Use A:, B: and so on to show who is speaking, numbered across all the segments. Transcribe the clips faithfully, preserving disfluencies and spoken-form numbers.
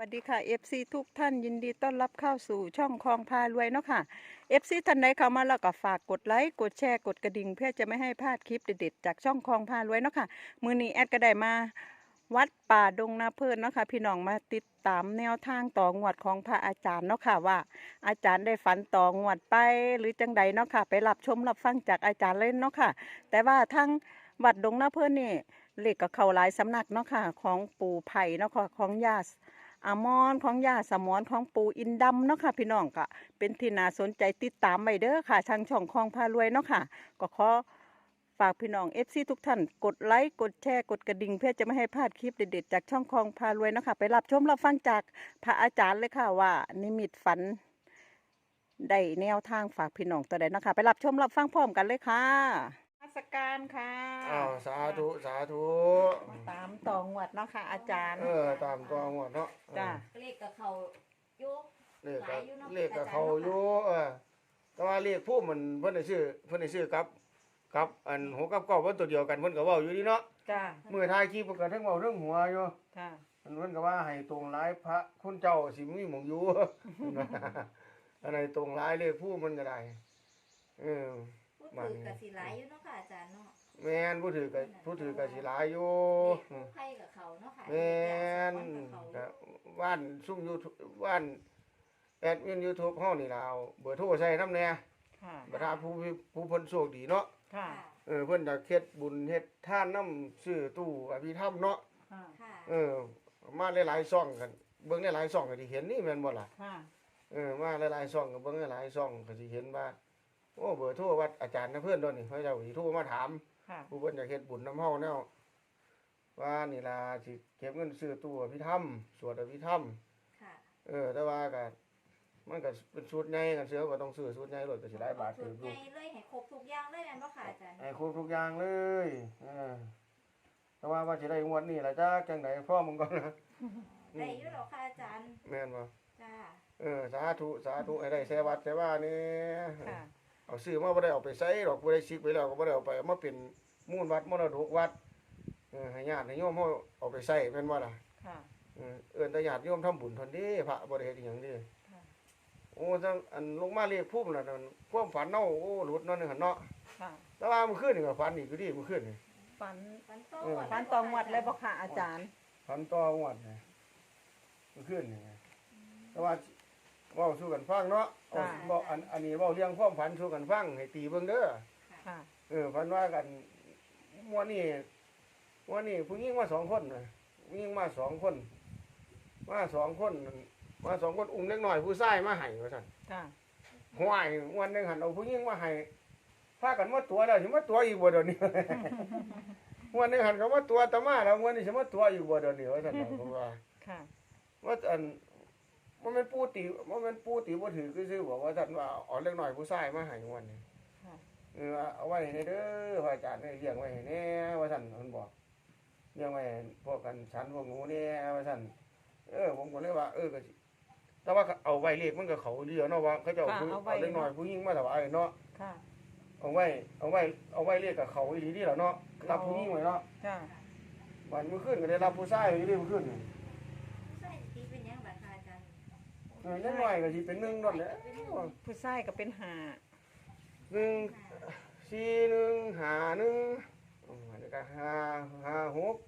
A: วัสดีค่ะ เอฟ ซี ทุกท่านยินดีต้อนรับเข้าสู่ช่องคลองพารวยเนาะค่ะ เอฟ ซี ท่านใดเข้ามาแล้วก็ฝากกดไลค์กดแชร์กดกระดิ่งเพื่อจะไม่ให้พลาดคลิปเด็ดๆจากช่องคลองพารวยเนาะค่ะมื้อนี้แอดก็ได้มาวัดป่าดงนาเพิ่นเนาะค่ะพี่น้องมาติดตามแนวทางต่องวดของพระอาจารย์เนาะค่ะว่า อาจารย์ได้ฝันต่องวดไปหรือจังใดเนาะค่ะไปรับชมรับฟังจากอาจารย์เลยเนาะค่ะแต่ว่าทั้งวัดดงนาเพิ่นนี่เลขก็เข้าหลายสำนักเนาะค่ะของปู่ไผ่เนาะค่ะของย่า อามอนของยาสมอนของปูอินดำเนาะค่ะพี่น้องก็เป็นที่น่าสนใจติดตามไปเด้อค่ะทางช่องคลองพารวยเนาะค่ะก็ขอฝากพี่น้องเอฟซีทุกท่านกดไลค์กดแชร์กดกระดิ่งเพื่อจะไม่ให้พลาดคลิปเด็ดๆจากช่องคลองพารวยเนาะค่ะไปรับชมรับฟังจากพระอาจารย์เลยค่ะว่านิมิตฝันได้แนวทางฝากพี่น้องตัวใดเนาะค่ะไปรับชมรับฟังพร้อมกันเลยค่ะนมัสการค่ะ
B: อ้าวสาธุสาธุ
A: มาตามต่องวดเนาะค่ะอาจารย์
B: เออตามตัวหมดเนาะ
A: จ้า
C: เลขกับเขาอยู่
B: เลข
C: ห
B: กั
C: ลาย
B: บ
C: อยู่เนาะ
B: เลขกับเขาอยู่เออแต่ว่าเลขผู้มันเพิ่นได้ซื้อเพิ่นได้ซื้อกับกับอันหกกับเก้าเพิ่นตัวเดียวกันเพิ่นก็เว้าอยู่ดีเนาะ
A: จ้า
B: มื้อท้ายคลิปเพิ่นก็ทั้งเว้าทั้งหัวอยู่
A: ค่ะ
B: เพิ่นเพิ่นก็ว่าให้ตรงหลายพระคุณเจ้าสิมีหม่องอยู่ อันไหนตรงหลายเลขผู้มันก็ได้เออ
C: พูดถือกับสีหลายอยู่เนาะค่ะอาจารย์เนาะ
B: แม่นผู้ถือก็ผู้ถือก็สิหลายอยู่
C: เลขผู้ไข่กับเขาเนาะค่ะ
B: แม่น
C: เลขกับเขา
B: ก็ว่านซุ่ม YouTube ว่านแอดมิน YouTube เฮานี่ล่ะเอาเบอร์โทรใส่นำแหน่
A: ค่ะ
B: ประธานผู้ผู้เพิ่นโชคดีเนาะ
A: ค่ะ
B: เออเพิ่นจะเฮ็ดบุญเฮ็ดทานนำซื้อตู้อภิธรรมเนาะ
A: ค่ะ
C: ค่ะ
B: เออมาหลายๆช่องกันเบิ่งหลายๆช่องก็สิเห็นนี่แม่นบ่ล่ะ
A: ค่ะ
B: เออมาหลายๆช่องก็เบิ่งหลายๆช่องก็สิเห็นว่าโอ้เบอร์โทรวัดอาจารย์นะเพิ่นโดนนี่เขาเจ้าสิโทรมาถาม
A: ค่ะ
B: ผู้เพิ่นอยากเฮ็ดบุญนำเฮาแนวว่านี่ล่ะสิเก็บเงินซื้อตู้อภิธรรมสวดอภิธรรม
C: ค่ะ
B: เออแต่ว่าก็มันก็เป็นชุดใหญ่กันเสือก็ต้องซื้อชุดใหญ่รถก็สิหลายบาท
C: สุ
B: ถื
C: ด
B: อ
C: ให
B: ดู
C: ญ่เลยให้ครบทุกอย่างเลยแม่นบ่ค่ะอาจารย์
B: ให้ครบทุกอย่างเลยเออแต่ว่าว่าสิได้งวดนี้ล่ะจ้าจังไดพ่อมึงก่อนนะ
C: ได้อยู่หรอกค่ะอาจารย์
B: แม่นบ่
C: จ้า
B: เออสาธุสาธุให้ได้แสวัดแสว่านี่
A: ค่ะ
B: เอาซื้อมาบ่ได้เอาไปใช้ดอกบ่ได้ซิกไปแล้วก็บ่ได้เอาไปเอามาเป็นมูลวัดมรดกวัดเออให้ญาติให้โยมเฮาเอาไปใช้แม่นบ่ล่ะ
A: ค่ะ
B: เออเอิ้นแต่ญาติโยมทำบุญเท่านี้พระบ่ได้เฮ็ดอีหยังเด้
A: ค่ะ
B: โอ้จังอันลงมาเรียกภูมิน่ะนั่นความฝันเนาะโอ้หลุดเนาะนึงหั่นเนาะ
A: ค่ะ
B: แต่ว่ามื้อคืนนี่ก็ฝันอีกอยู่ดิมื้อคืนนี่
A: ฝัน
C: ฟันโต
B: เออ
A: ฝันตองวัดเลยบ่ค่ะอาจารย์
B: ฝันต่องวดนี่มื้อคืนนี่แต่ว่าเว้าสู่กันฟังเนาะเอาเว้าอันอันนี้เว้าเรื่องความฝันสู่กันฟังให้ตีเบิ่งเด้อ
A: ค่ะ
B: เออฝันว่ากันมื้อนี้มื้อนี้ผู้หญิงมาสองคนน่ะผู้หญิงมาสองคน มาสองคนมาสองคนอุ้มเล็กน้อยผู้ชายมาให้ว่าซั่น
A: ค่ะ
B: ห้วยวันหนึงหันเอาผู้หญิงมาให้พากันมาตัวแล้วสิมาตัวอีกบ่เดี๋ยวนี้ วันหนึงหันก็มาตัวตะมาแล้ววันนี้สิมาตัวอีกบ่เดี๋ยวนี้ว่าซั่นน่ะผมว่า
A: ค่ะ
B: ว่าอันบ่แม่นปูติบ่แม่นปูติบ่ถือคือซื่อบอกว่าซั่นว่าเอาเล็กน้อยผู้ชายมาให้วันนี้
A: ค่ะ
B: เออเอาไว้ให้เด้อพระอาจารย์เลี้ยงไว้ให้แน่ว่าซั่นเพิ่นบอกเลี้ยงไว้ให้พวกกันฉันพวกหนูแน่ว่าซั่นเออผมก็เลยว่าเออก็สิแต่ว่าเอาไว้เลขมันก็เขาเดียวเนาะว่าเขาเจ้าผู้เอาเล็กน้อยผู้หญิงมาถวายเนาะ
A: ค่ะ
B: เอาไว้เอาไว้เอาไว้เลขกับเขาอีหลีนี่แหละเนาะรับผู้หญิงไว้เนาะ
A: ค่ะ
B: วันเมื่อคืนก็ได้รับผู้ชายอีหลีเมื่อคืนนี่
C: ใช่ตีเป็นยังบัดค่ะอาจารย์
B: เออเล็กน้อยก็สิเป็นหนึ่งนั่นแหละ
A: ผู้ชายก็เป็นหา
B: หนึ่งสี่หนึ่งห้าหนึ่งอ๋อแล้วก็ห้าห้าหก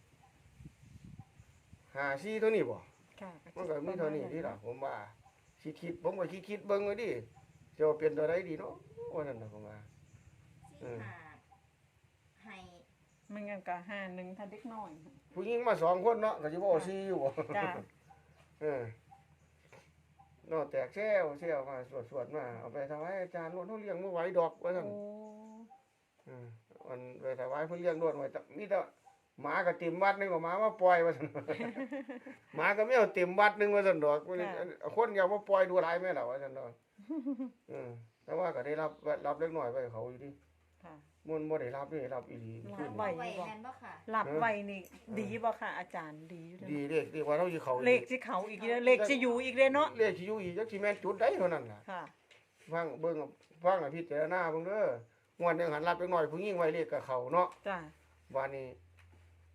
B: ห้าสี่เท่านี้บ่
A: ค่ะ
B: มันก็มีเท่านี้ที่ล่ะผมว่าสิคิดผมก็คิดคิดเบิ่งไว้ดิจะเอาเป็นตัวใดดีเนาะว่านั่นน่ะผมว่า
C: สี่หาให้
A: มันงั้นก็หาหนึ่งถ้าเด็กน้อย
B: ผู้หญิงมาสองคนเนาะก็สิบ่เอาสี่อยู่บ่
A: จ้า
B: เออเนาะแตกแซวแซวมาสวดๆมาเอาไปถวายอาจารย์โลดเฮาเลี้ยงบ่ไหวดอกว่าซั่น
A: โอ้
B: อืมมันไปถวายเพิ่นเลี้ยงโลดไว้แต่มีแต่หมาก็เต็มวัดนึงก็หมามาปล่อยว่าซั่น หมาก็แมวเต็มวัดนึงว่าซั่นดอกคนอย่ามาปล่อยดูหลายแม่ล่ะว่าซั่นดอกอืมแต่ว่าก็ได้รับรับเล็กน้อยไว้เขาอยู่ดิ
A: ค่ะ
B: มันบ่ได้รับนี่รับอีหลี
A: รับ
B: ขึ้น
A: ไว้
C: ไว้แม่นบ่ค่ะ
A: หลับไวนี่ดีบ่ค่ะอาจารย์ดีอยู่
B: ดี
A: เด้อ
B: เด็กดีว่าเฮาสิเขา
A: เลขสิเขาอีกเด้อเลขสิอยู่อีกเด้อเนาะ
B: เลขสิอยู่อีกจักสิแม่นจุดใดเท่านั้นล่ะ
A: ค่ะ
B: ฟังเบิ่งฟังให้พิจารณาเบิ่งเด้องวดหนึงหันรับเล็กน้อยผู้หญิงไว้เลขกับเขาเนาะ
A: จ้า
B: วันนี้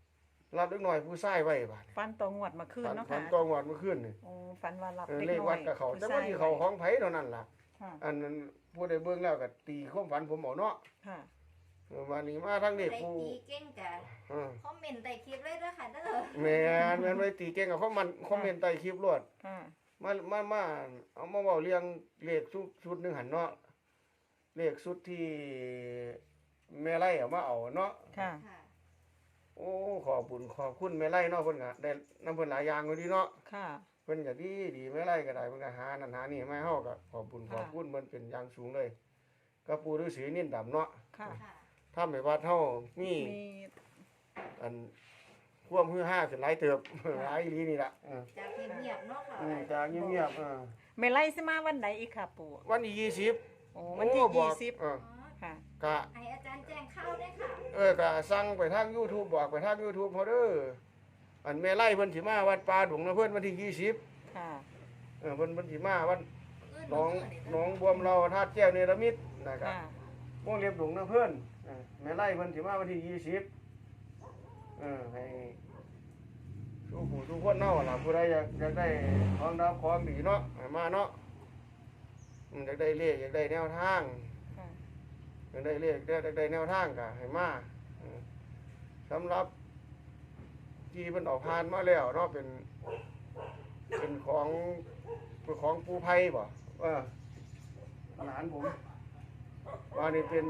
B: รับเด็กน้อยผู้ชายไว้บาดนี้
A: ฟันตัวงวดมาคืน
B: ฝัน
A: เนาะ
B: ฝั
A: ค่ะ
B: นตองวดเมื่อคืนนี่
A: โอ้ฟันว่ารับ
B: เออ
A: เด็ก
B: เลข
A: น้อ
B: วั
A: ย
B: ดกับเขาแต่
A: ผู้
B: ว่า
A: ชาย
B: ที่เขาของไผเท่านั้นล่ะ
A: ค่ะ
B: อันนั้นผู้ใดเบิ่งแล้วก็ตีความฝันผมเอาเนาะ
A: ค่ะ
B: เออวันนี้มาทั้งเด็ก
C: ได้
B: ผู้
C: ตีเก่งกะ
B: เออ
C: คอมเมนต์ใต้คลิปเลยเด้อค่ะเด้อ
B: แม่นแม่นไว้ตีเก่งกับเขามันคอมเมนต์ใต้คลิปรวด
A: ค่ะ
B: มามามาเอามาเว้าเรื่องเลขชุดชุดหนึงหันเนาะเลขชุดที่แม่ไร่เอามาเอาเนาะ
A: ค่ะ
C: ค่ะ
B: โอ้ขอบคุญขอบคุณแม่ไร่เนาะเพิ่นก็ได้นำเพิ่นหลายอย่างอยู่ดีเนาะ
A: ค่ะ
B: เพิ่นก็ดีดีแม่ไร่ก็ได้เพิ่นก็หานั่นหานี่มาให้เฮาก็ขอบคุญข
A: ค่ะ
B: อบคุณมันเป็นอย่างสูงเลยก็ปู่ฤาษีนินดำเนาะ
A: ค่ะ
C: ค่ะ
B: ทำให้วัดเฮามี
A: มี
B: อันความฮือฮาขึ้นหลายเติบ หลายอีหลีนี่ล่ะเออ
C: จากเงียบๆเนาะค่ะ
B: อืมจากเงียบๆเออ
A: เมลัยสิมาวันไหนอีกค่ะปู่
B: วันที่ยี่สิบ
A: โอ้วันที่
B: โอ้บ
A: ยี่
B: อก
A: สิบ
B: เออ
C: อ๋อ
A: ค่ะ
B: กะ
C: ให้อาจารย์แจ้งเข้าด้วยค่ะ
B: เออก็สั่งไปทาง YouTube บอกไปทาง YouTube เฮาเด้ออันแม่ไล่เพิ่นสิมาวัดป่าดงนะเพิ่นวันที่ยี่สิบ
A: ค่ะ
B: เออเพิ่นเพิ่นสิมาวัด
C: อื่น
B: หน้อง
C: บ่เด้
B: หน้องบวมเราธาตุแก้วเนรมิตนะครับ
A: ค่ะ
B: วงเล็บดงนะเพิ่นเออแม่ไล่เพิ่นสิมาวันที่ยี่สิบเออให้ทุกผู้ทุกคนเนาะล่ะผู้ใดอยากอยากได้ของดาวของดีเนาะให้มาเนาะอืมอยากได้เลขอยากได้แนวทาง
A: ค่ะ
B: อยากได้เลขอยากได้แนวทางก็ให้มาเออสำหรับ ที่มันออกผ่านมาแล้วเนาะเป็น เป็นของเป็นของปูไผ่บ่เออหลานผมว่านี่เป็น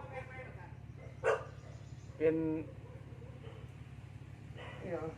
B: เป็นนี่เหรอ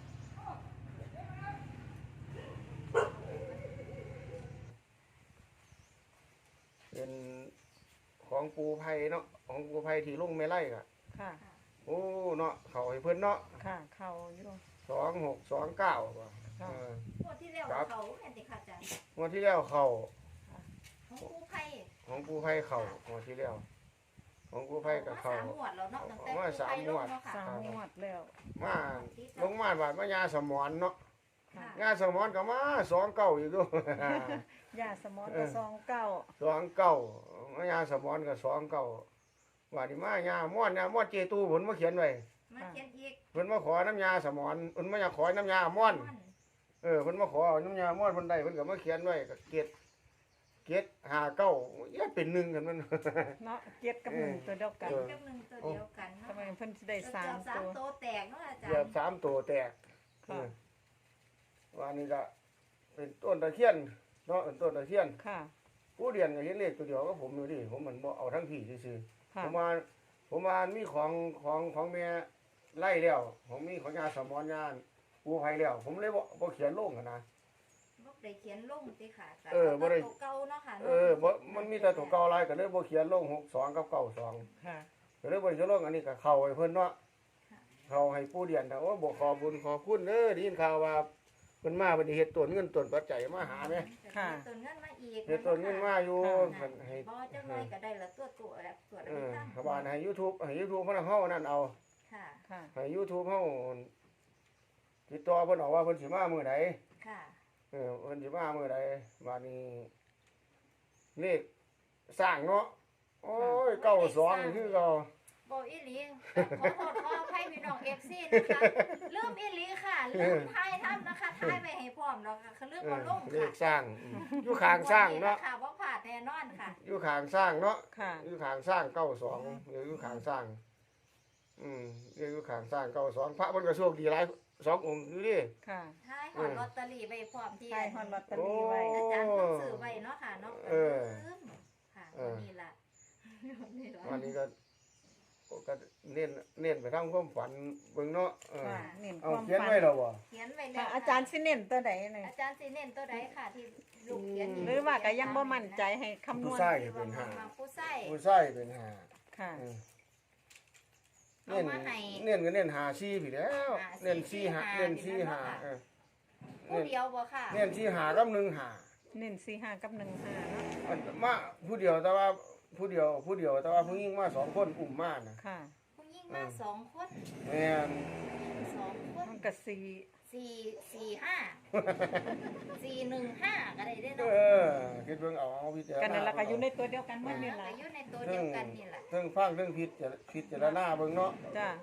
B: เป็นของปูไผ่เนาะของปูไผ่ที่ลุงไม่ไล่กะ
A: ค่ะ
B: โอ้เนาะเขาให้เพิ่นเนาะ
A: ค่ะ เข้าอยู่
B: สองหกสองเก้าป่ะ
A: ค่ะ
B: เออง
C: วดที่แล้ว
B: ครับ
C: เขาแม่นติค่ะอาจารย์
B: งวดที่แล้วเขา
C: ของครูไผ่
B: ของปูไผ่เขางวดที่แล้วของปูไผ่กับเขา
C: สามงวดแล้วเนาะตั้งแต่
B: ว่าสามงวด
C: ครูไผ่ลงเนาะค่ะ
A: สามงวดแล้ว
B: มาลงมาบาดมายาสมอนเนาะ
A: ค่ะ
B: ยาสมอนก็มาสองเก้าอยู่ด้วย
A: ยาสมอนก็ซองเก้า
B: สองเก้ามายาสมอนก็สองเก้าว่านี่มายาม่อนยาม่อนเจตูเพิ่นมาเขียนไว้
C: มาเขียนอีก
B: เพิ่นมาขอน้ำยาสมอนเพิ่นมาอยากขอน้ำยาม่อน เออเพิ่นมาขอเอาน้ำยาม่อนเพิ่นได้เพิ่นก็มาเขียนไว้ก็เกตเกตห้าเก้าอย่าเป็นหนึ่งกันมัน
A: เนาะเจ็ดกับหนึ่งตัวเดียวกัน
C: เป็นกับหนึ่งตัวเดียวกันเนาะ
A: ทำไมเพิ่นสิได้สาม
C: เกือบสาม
A: ตัว
C: ตัวแตกเนาะอาจาร
B: เกือบ
C: ย์
B: สามตัวแตก
A: ค่ะ
B: เออว่านี่ก็เป็นต้นตะเคียนเนาะเป็นต้นตะเคียน
A: ค่ะ
B: ผู้เรียนก็เห็นเลขตัวเดียวก็ผมอยู่ดิผมมันบ่เอาทั้งพี่ซื่อๆ
A: ค่ะ
B: ผมว่าผมว่ามีของของของแม่ไล่แล้วผมมีของยาสมอนยาปูไผแล้ว ผมเลยบ่บ่เขียนลงกันนะ
C: บ่ได้เขียนลงติค่ะ
B: เออบ่ได้
C: ตัวเก่าเนาะค่ะ
B: เออบ่มันมีแต่ตัวเก่าหลายก็เลยบ่เขียนลงหกสองกับเก้าสอง
A: ค่ะ
B: ก็เลยบ่ได้เขียนลงอันนี้ก็เข้าให้เพิ่นเนาะเข้าให้ผู้เรียนแต่ว่าบ่ขอบุญขอบคุณเด้อได้ยินข่าวว่าเพิ่นมาเพิ่นสิเฮ็ดต้นเงินต้นปัจจัยมาหาแม่
A: ค่ะ
C: เฮ็ดต้นเงินมาอีก
B: เฮ็ดต้นเงินมาอยู่
A: ค่ะ
B: เพิ่นให้
C: บ่จังไดก็ได้ละตัวตัวแล้วตัว
B: เอ
C: แล้ว
B: อ
C: ตั้ง
B: เขาว่าให้ YouTube ให้ YouTube เพิ่นเอาเฮานั่นเอา
C: ค่ะ
A: ค่ะ
B: ให้ YouTube เฮาติดต่อเพิ่นเอาว่าเพิ่นสิมามื้อใด
C: ค่ะ
B: เออเพิ่นสิมามื้อใดบัดนี้เลขสร้างเนาะโอ้ยเก้าสองนี่คือเก่า
C: บ่อีหลีขอโทษขออภัยพี่น้อง เอฟ ซี นะคะลืมอีหลีค่ะลืมทายทำนะคะทายไว้ให้พร้อมแล้วค่ะคือลืม
B: เอ
C: บ่
B: อ
C: ลง
B: เล
C: ค่ะ
B: ขสร้างอืมอยู่ข้างสร้างเนาะ
C: ค่ะบ่พลาดแน่นอนค่ะ
B: อยู่ข้างสร้างเนาะ
A: ค่ะ
B: อยู่ข้างสร้างเก้าสองอยู่ข้างสร้าง อืมอยู่ข้างสร้างเก้าสองพระเพิ่นก็โชคดีหลายสององค์อยู่ดิ
A: ค่ะ
C: ทายหอดลอตเตอรี่ไว้พร้อมที่
A: ใช่ฮอนลอตเตอรี่ไว้
C: อาจารย์เพิ่นซื้อไว้เนาะค่ะเนาะ
B: เออ
C: ลืมค่ะ
B: เออ
C: วันนี้ล่ะวันนี้ล่ะ
B: วันนี้ก็ก็เน้นเน้นไปทางความฝันเบิ่งเนาะเออ
A: ค่ะเน้นค
B: เอา
A: วาม
B: เขียน
A: ฝัน
B: ไว้แล้วบ่
C: เขียนไว้แล้
A: ค่ะ
C: ว
A: อาจารย์สิเน้นตัวใดเนี่ย
C: อาจารย์สิเน้นตัวใดค่ะที่ลูกเขียน
A: หรือว่าก็ยังบ่มั่นใจให้คำน
B: ผู้
A: วณ
B: ชาย
C: ที่
B: เป็น
C: ว่า
B: ห้า
C: มาผู้ใส่
B: ผู้ชายเป็นห้า
A: ค่ะ
B: เออ
C: เอา
B: เน้น
C: มาให้
B: เน้นก็เน้นหาซี่พี่แล้ว
C: หาซี่
B: เน้นซี่หา
C: หา
B: เน้นซี่หา
C: นี่นะ
B: เออ
C: ผู้เดียวบ่ค่ะ
B: เน้นซี่หากับหนึ่งหา
A: เน้นสี่ห้ากับหนึ่งห้าเนาะ
B: อันมาผู้เดียวแต่ว่าผู้เดียวผู้เดียวแต่ว่าผู้หญิงมาสองคนอุ้มมานะ
A: ค่ะ
C: ผู้หญิงมาสองคน
B: แม่น
C: สองคน
A: มันก็สี่
C: สี่สี่ห้าสี่หนึ่งห้าก็ได้ได้
B: เอ
C: เนาะ
B: อคิดเบิ่งเอาเอาพิจารณา
A: กันนั่นแหละก็อยู่ในตัวเดียวกันหม
C: มั
A: ด
C: น
A: นี่
C: ก็
A: ล่ะ
C: อยู่ในตัวเดียวกันนี่แหละ
B: เรื่องฟังเรื่องพิจารพิจารณาเบิ่งเนาะ
A: จ้า
B: เ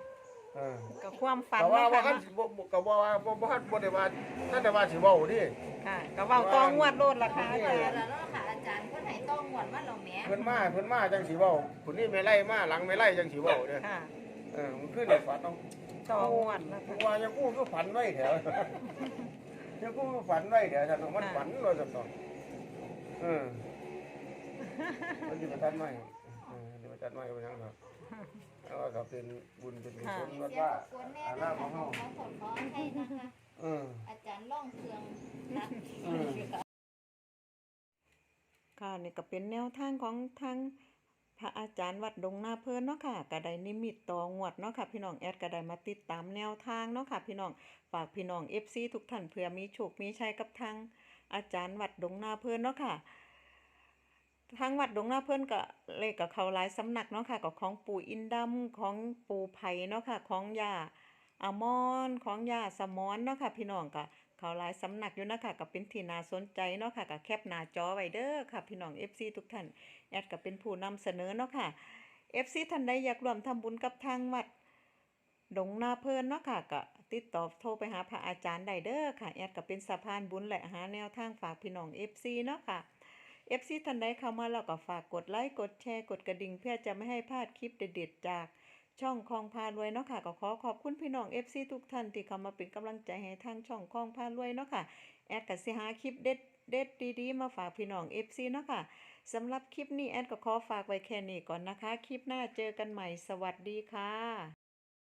B: เออ
A: ก็ความฝัน
B: ก็ว่า
A: เนาะ
B: ว่า
A: ค่ะ
B: คันสิบ่บ่ก็บ่ว่าบ่บ่ทันบ่ได้ว่าท่านได้ว่าสิเว้าดิ
A: ค่ะก็เว้าตองวดโลดล่ะค่ะอา
C: เอ
A: จา
C: อ
A: รย์
C: แล้วเนาะค่ะอาจารย์เพิ่นให้ต้องงวดมาแล้วแหม
B: เพิ่นมาเพิ่นมาจังสิเว้าผู้นี้ไม่ไล่มาหลังไม่ไล่จังสิเว้าเด้อ
A: ค่ะ
B: เออมันขึ้นในฝันเอา
A: ตองวดนะ
B: ผ
A: คะ
B: มว่ายังกูก็ฝันไว้แถว ยังกูก็ฝันไว้แถวท่านเอามันฝันว่าซั่นเนาะเออมันสิมาตัดไม้เออสิมาตัดไม้ว่าหยังเนาะเอาว่าก็เป็นบุญเป็นกุศล
C: มี
B: วัด
C: เสียง
B: ว่า
C: รบกวนแน่
B: อา
C: นะ
B: ลา
C: คะ
B: ของ
C: ขอ
B: เฮา
C: ขอโทษขออภัยนะคะ
B: เออ
C: อาจารย์ล่องเครื่องนัด
B: อืม
A: ค่ะนี่ก็เป็นแนวทางของทางพระอาจารย์วัดดงนาเพิ่นเนาะค่ะก็ได้นิมิตต่องวดเนาะค่ะพี่น้องแอดก็ได้มาติดตามแนวทางเนาะค่ะพี่น้องฝากพี่น้อง เอฟ ซี ทุกท่านเผื่อมีโชคมีชัยกับทางอาจารย์วัดดงนาเพิ่นเนาะค่ะทางวัดดงนาเพิ่นก็เลขกับเขาหลายสำนักเนาะค่ะก็ของปู่อินดำของปู่ไผ่เนาะค่ะของย่าอามอนของย่าสมอนเนาะค่ะพี่น้องก็เขาหลายสำนักอยู่นะคะก็เป็นที่น่าสนใจเนาะค่ะก็แคปหน้าจอไว้เด้อค่ะพี่น้อง เอฟ ซี ทุกท่านแอดก็เป็นผู้นำเสนอเนาะค่ะ เอฟ ซี ท่านใดอยากร่วมทำบุญกับทางวัดดงนาเพิ่นเนาะค่ะก็ติดต่อโทรไปหาพระอาจารย์ได้เด้อค่ะแอดก็เป็นสะพานบุญและหาแนวทางฝากพี่น้อง เอฟ ซี เนาะค่ะ เอฟ ซี ท่านใดเข้ามาแล้วก็ฝากกดไลค์กดแชร์กดกระดิ่งเพื่อจะไม่ให้พลาดคลิปเด็ดๆจากช่องคลองพารวยเนาะค่ะก็ขอขอบคุณพี่น้อง เอฟ ซี ทุกท่านที่เข้ามาเป็นกำลังใจให้ทางช่องคลองพารวยเนาะค่ะแอดก็สิหาคลิปเด็ดเด็ดดีๆมาฝากพี่น้อง เอฟ ซี เนาะค่ะสำหรับคลิปนี้แอดก็ขอฝากไว้แค่นี้ก่อนนะคะ คลิปหน้าเจอกันใหม่สวัสดีค่ะ